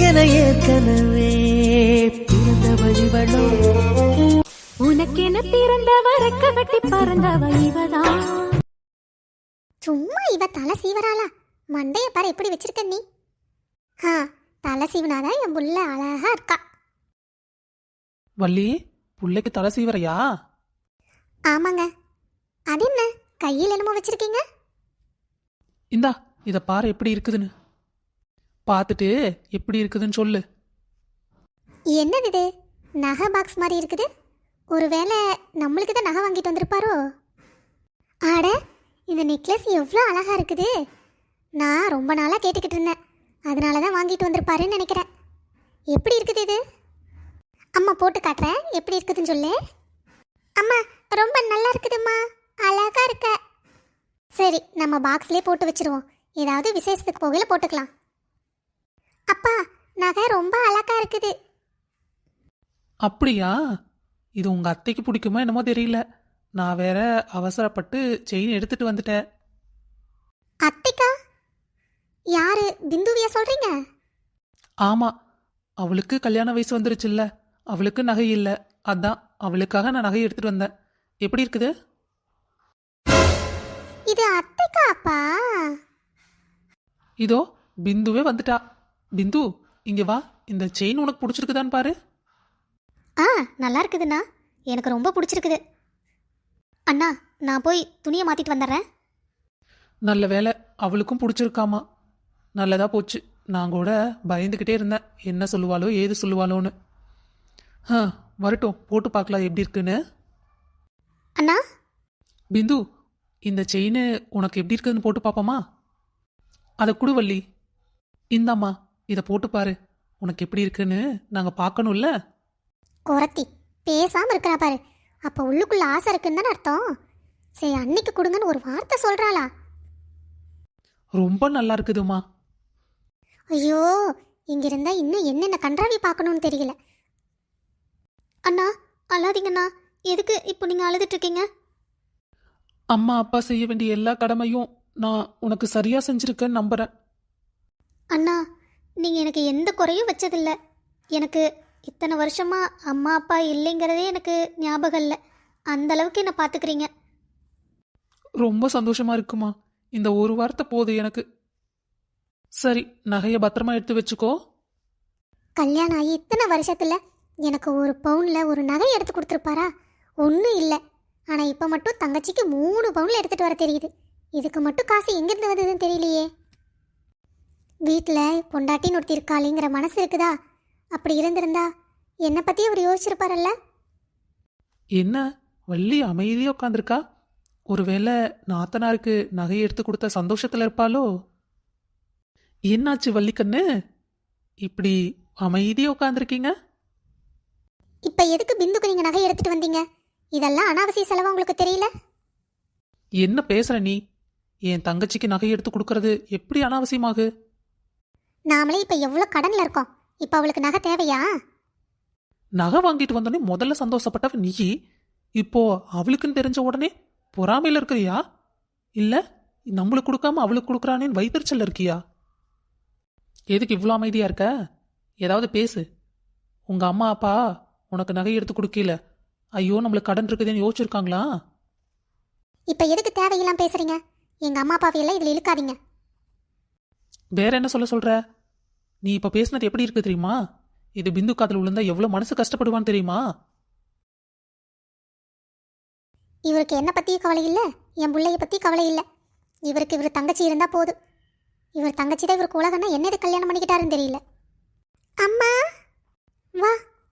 என ஏற்கனவே பிறந்தவள் இவளோ. உனக்கென பிறந்தவ ரெக்க கட்டி பறந்தவ இவதான். சும்மா இவ தலை சீவராளா? மண்டைய பாரு எப்படி வச்சிருக்க நீ. தலை சீவனாதான் என் புள்ள அழகா இருக்கா. வள்ளி, புள்ளைக்கு தலை சீவரையா? ஆமாங்க. அது என்ன கையில் என்னமோ வச்சிருக்கீங்க? இந்தா இத பாரு எப்படி இருக்குதுன்னு. பார்த்துட்டு எப்படி இருக்குதுன்னு சொல்லு. என்னது இது? நகை பாக்ஸ் மாதிரி இருக்குது. ஒருவேளை நம்மளுக்கு தான் நகை வாங்கிட்டு வந்திருப்பாரோ? ஆட, இந்த நெக்லஸ் எவ்வளோ அழகா இருக்குது. நான் ரொம்ப நாளாக கேட்டுக்கிட்டு இருந்தேன், அதனால தான் வாங்கிட்டு வந்திருப்பாருன்னு நினைக்கிறேன். எப்படி இருக்குது இது? அம்மா போட்டு காட்டுறேன், எப்படி இருக்குதுன்னு சொல்லு. அம்மா ரொம்ப நல்லா இருக்குதும்மா, அழகா இருக்க. சரி, நம்ம பாக்ஸ்லேயே போட்டு வச்சிருவோம். ஏதாவது விசேஷத்துக்கு போகையில் போட்டுக்கலாம். அப்பா, நகை ரொம்ப அழகா இருக்குது. அப்படியா? இது உங்க அத்தைக்கு பிடிக்குமோ என்னமோ தெரியல. நான் வேற அவசரப்பட்டு செயின் எடுத்துட்டு வந்துட்டேன். அத்தைக்கா? யாரு, பிந்துவியா சொல்றீங்க? ஆமா, அவளுக்கு கல்யாண வயசு வந்துருச்சுல்ல, அவளுக்கு நகை இல்லை. அதான் அவளுக்காக நான் நகை எடுத்துட்டு வந்தேன். எப்படி இருக்குது? இது அத்தைக்கா அப்பா? இதோ பிந்துவே வந்துட்டா. பிந்து, இங்க வா. இந்த செயின் உனக்கு பிடிச்சிருக்குதான்னு பாரு. நல்லா இருக்குதுண்ணா, எனக்கு ரொம்ப பிடிச்சிருக்குது. அண்ணா, நான் போய் துணியை மாத்திட்டு வந்துடுறேன். நல்ல வேலை, அவளுக்கும் பிடிச்சிருக்காமா. நல்லதா போச்சு. நான் கூட பயந்துக்கிட்டே இருந்தேன், என்ன சொல்லுவாளோ ஏது சொல்லுவாளோன்னு. வரட்டும், போட்டு பார்க்கலாம் எப்படி இருக்குன்னு. அண்ணா. பிந்து, இந்த செயின் உனக்கு எப்படி இருக்குதுன்னு போட்டு பார்ப்போமா? அதை குடு வள்ளி. இந்தாம்மா, இதை போட்டு பாரு. உனக்கு எப்படி இருக்குன்னு நாங்கள் பார்க்கணும்ல. குரத்தி பேசாம இருக்கிறா பாரு. அப்ப உள்ளுக்குள்ள ஆசை இருக்குன்னு தானே அர்த்தம். சரி, அன்னைக்கு கொடுங்கன்னு ஒரு வார்த்தை சொல்றாளா? ரொம்ப நல்லா இருக்குதுமா. ஐயோ, இங்க இருந்தா இன்னும் என்னென்ன கன்றாவி பார்க்கணும்னு தெரியல. அண்ணா, அழாதீங்கண்ணா. எதுக்கு இப்போ நீங்க அழுதுட்டு இருக்கீங்க? அம்மா அப்பா செய்ய வேண்டிய எல்லா கடமையும் நான் உனக்கு சரியா செஞ்சிருக்கேன்னு நம்புறேன். அண்ணா, நீங்க எனக்கு எந்த குறையும் வச்சதில்லை. எனக்கு இத்தனை வருஷமா அம்மா அப்பா இல்லைங்கிறதே எனக்கு ஞாபகம் இல்லை. அந்த அளவுக்கு என்னை பார்த்துக்கிறீங்க. ரொம்ப சந்தோஷமா இருக்குமா. இந்த ஒரு வார்த்தை போதும் எனக்கு. சரி, நகையை பத்திரமா எடுத்து வச்சுக்கோ. கல்யாணம் ஆகி இத்தனை வருஷத்துல எனக்கு ஒரு பவுன்ல ஒரு நகை எடுத்து கொடுத்துருப்பாரா? ஒன்றும் இல்லை. ஆனால் இப்போ மட்டும் தங்கச்சிக்கு 3 பவுன்ல எடுத்துகிட்டு வர தெரியுது. இதுக்கு மட்டும் காசு எங்கேருந்து வந்ததுன்னு தெரியலையே. வீட்டில் பொண்டாட்டின்னு ஒருத்தி இருக்காளிங்கிற மனசு இருக்குதா? அப்படி இருந்திருந்தா என்னை பற்றி அவர் யோசிச்சிருப்பாரல்ல. என்ன வள்ளி அமைதியா உட்காந்துருக்கா? ஒருவேளை நாத்தனாருக்கு நகையை எடுத்து கொடுத்த சந்தோஷத்துல இருப்பாளோ? என்னாச்சு வள்ளிக்கண்ணு, இப்படி அமைதியா உட்காந்துருக்கீங்க? இப்போ எதுக்கு பிந்துக்கு நீங்கள் நகை எடுத்துகிட்டு வந்தீங்க? இதெல்லாம் அனாவசிய செலவு உங்களுக்கு தெரியல? என்ன பேசுற நீ? என் தங்கச்சிக்கு நகை எடுத்து கொடுக்கறது எப்படி அனாவசியமாகு? நாமளே இப்போ எவ்வளோ கடனில் இருக்கோம். இப்போ அவளுக்கு நகை தேவையா? நகை வாங்கிட்டு வந்தோடனே முதல்ல சந்தோஷப்பட்டவ நீ. இப்போ அவளுக்குன்னு தெரிஞ்ச உடனே பொறாமையில இருக்கிறியா? இல்ல நம்மளுக்கு கொடுக்காம அவளுக்கு கொடுக்குறானேன்னு வைத்தறிச்சல் இருக்கியா? எதுக்கு இவ்வளோ அமைதியா இருக்க? ஏதாவது பேசு. உங்க அம்மா அப்பா உனக்கு நகை எடுத்து கொடுக்கல, ஐயோ நம்மளுக்கு கடன் இருக்குதுன்னு யோசிச்சிருக்காங்களா? இப்போ எதுக்கு தேவையெல்லாம் பேசுறீங்க? எங்கள் அம்மா அப்பாவையெல்லாம் இதில் இழுக்காதீங்க. வேற என்ன சொல்ற? நீ இப்ப பேசினது எப்படி இருக்கு தெரியுமா? இது பிந்து காதல் விழுந்தா எவ்வளவு மனசு கஷ்டப்படுவான்னு தெரியுமா? இவருக்கு என்ன பற்றியும் கவலை இல்லை, என் பிள்ளைய பற்றி கவலை இல்லை. இவருக்கு இவர் தங்கச்சி இருந்தால் போதும். இவர் தங்கச்சி தான் இவருக்கு உலகன்னா என்னது கல்யாணம் பண்ணிக்கிட்டாருன்னு தெரியல. அம்மா வா.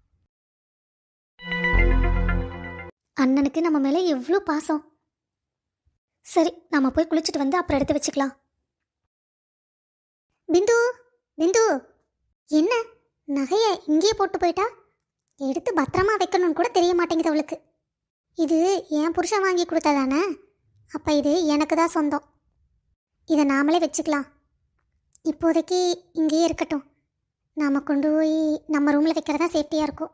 அண்ணனுக்கு நம்ம மேலே எவ்வளோ பாசம். சரி, நம்ம போய் குளிச்சுட்டு வந்து அப்புறம் எடுத்து வச்சுக்கலாம். பிந்து, பிந்து, என்ன நகையை இங்கேயே போட்டு போயிட்டா? எடுத்து பத்திரமா வைக்கணும்னு கூட தெரிய மாட்டேங்குது அவளுக்கு. இது என் புருஷன் வாங்கி கொடுத்ததானே? அப்போ இது எனக்கு தான் சொந்தம். இதை நாமளே வச்சுக்கலாம். இப்போதைக்கு இங்கேயே இருக்கட்டும். நாம் கொண்டு போய் நம்ம ரூமில் வைக்கிறதா சேஃப்டியாக இருக்கும்.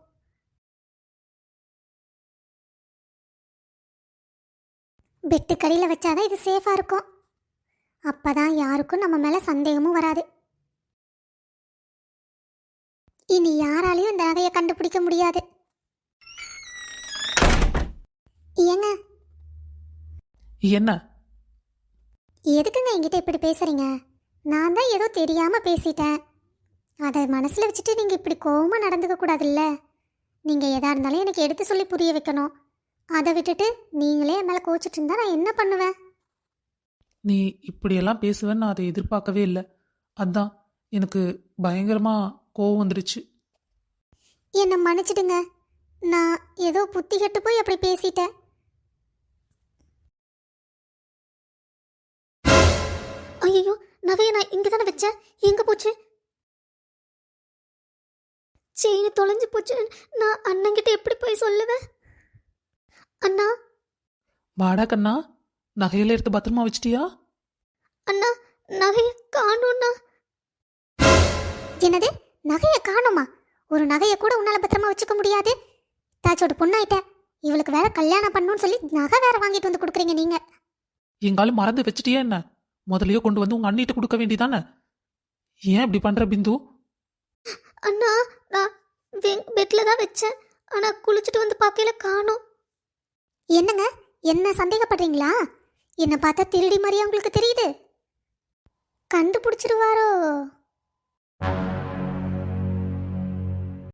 பெட்டு கடியில் வச்சாதான் இது சேஃபாக இருக்கும். அப்போ தான் யாருக்கும் நம்ம மேலே சந்தேகமும் வராது. இனி யாராலையும் இந்த நகையை கண்டுபிடிக்க முடியாது. ஏங்க என்ன? எதுக்குங்க என்கிட்ட இப்படி பேசுறீங்க? நான் தான் ஏதோ தெரியாம பேசிட்டேன். அதை மனசுல வச்சுட்டு நீங்க இப்படி கோவமா நடந்துக்க கூடாதுல்ல. நீங்க எதா இருந்தாலும் எனக்கு எடுத்து சொல்லி புரிய வைக்கணும். அதை விட்டுட்டு நீங்களே என் மேல கோச்சிட்டு இருந்தா நான் என்ன பண்ணுவேன்? நீ இப்படியெல்லாம் பேசுவேன்னு நான் அதை எதிர்பார்க்கவே இல்லை. அதான் எனக்கு பயங்கரமா கோவம் வந்துருச்சு. என்னை மன்னிச்சிடுங்க. நான் ஏதோ புத்தி கெட்டு போய் அப்படி பேசிட்டேன். ஐயோ, நகையை நான் இங்கே தானே வச்சேன். எங்கே போச்சு? செயின் தொலைஞ்சு போச்சு. நான் அண்ணங்கிட்ட எப்படி போய் சொல்லுவேன்? அண்ணா வாடா கண்ணா, நகையில எடுத்து பத்திரமா வச்சிட்டியா? அண்ணா, நகையை காணோண்ணா. என்னது, நகையை காணுமா? ஒரு நகையை கூட உன்னால பத்திரமா வச்சுக்க முடியாது. தாச்சோட பொண்ணாயிட்ட. இவளுக்கு வேற கல்யாணம் பண்ணணும்னு சொல்லி நகை வேற வாங்கிட்டு வந்து கொடுக்குறீங்க நீங்க. எங்காலும் மறந்து வச்சிட்டியா என்ன? முதலையோ கொண்டு வந்து உங்க அண்ணிட்ட கொடுக்க வேண்டியதானே? ஏன் இப்படி பண்ற பிந்து? அண்ணா, நான் பெட்ல தான் வச்சேன். ஆனா குளிச்சுட்டு வந்து பார்க்கல காணோம். என்னங்க, என்ன சந்தேகப்படுறீங்களா? என்ன பார்த்தா திருடி மாதிரியா உங்களுக்கு தெரியுது? கண்டுபிடிச்சிருவாரோ?